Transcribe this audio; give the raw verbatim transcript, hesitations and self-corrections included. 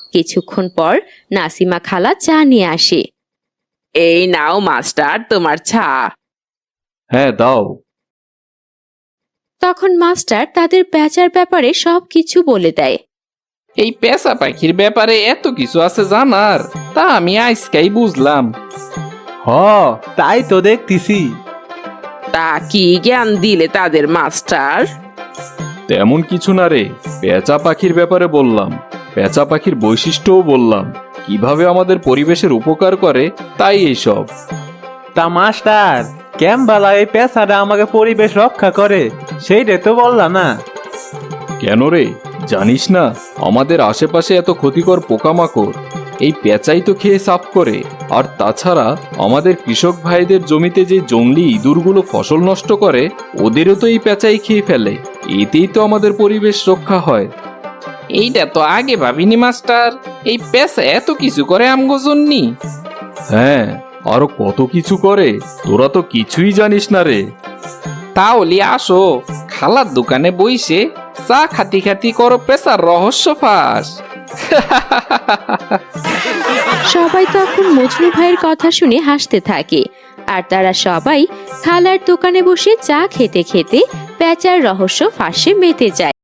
কিছুক্ষণ পর নাসিমা খালা চা নিয়ে আসে। এই নাও মাস্টার তোমার চা। হ্যাঁ দাও। তখন মাস্টার তাদের পেঁচার ব্যাপারে সবকিছু বলে দেয়। এই পেঁচা পাখির ব্যাপারে এত কিছু আছে জানার, তা আমি আজকেই বুঝলাম। হ, তাই তো দেখতেছি। তা কি জ্ঞান দিলে তাদের মাস্টার? তেমন কিছু না রে, পেঁচা পাখির ব্যাপারে বললাম, পেঁচা পাখির বৈশিষ্ট্যও বললাম, কিভাবে আমাদের পরিবেশের উপকার করে তাই এইসব। তা মাস্টার, কেমবালা এই পেশাটা আমাকে পরিবেশ রক্ষা করে সেইটা তো বললা না। কেন রে, জানিস না আমাদের আশেপাশে এত ক্ষতিকর পোকামাকড় এই পেঁচাই তো খেয়ে সাফ করে। আর তাছাড়া আমাদের কৃষক ভাইদের জমিতে যে জংলি ইঁদুরগুলো ফসল নষ্ট করে ওদেরও তো এই পেঁচাই খেয়ে ফেলে, এতেই তো আমাদের পরিবেশ রক্ষা হয়। এইটা তো আগে ভাবিনি মাস্টার, এই পেঁচা এত কিছু করে আমগো জন্যি। হ্যাঁ, আরো কত কিছু করে, তোরা তো কিছুই জানিস না রে। তাহলে আসো খালার দোকানে বইসে চা খাতি খাতি করো পেঁচার রহস্য ফাঁস। সবাই তখন মজনু ভাইয়ের কথা শুনে হাসতে থাকে, আর তারা সবাই খালার দোকানে বসে চা খেতে খেতে পেঁচার রহস্য ফাঁসে মেতে যায়।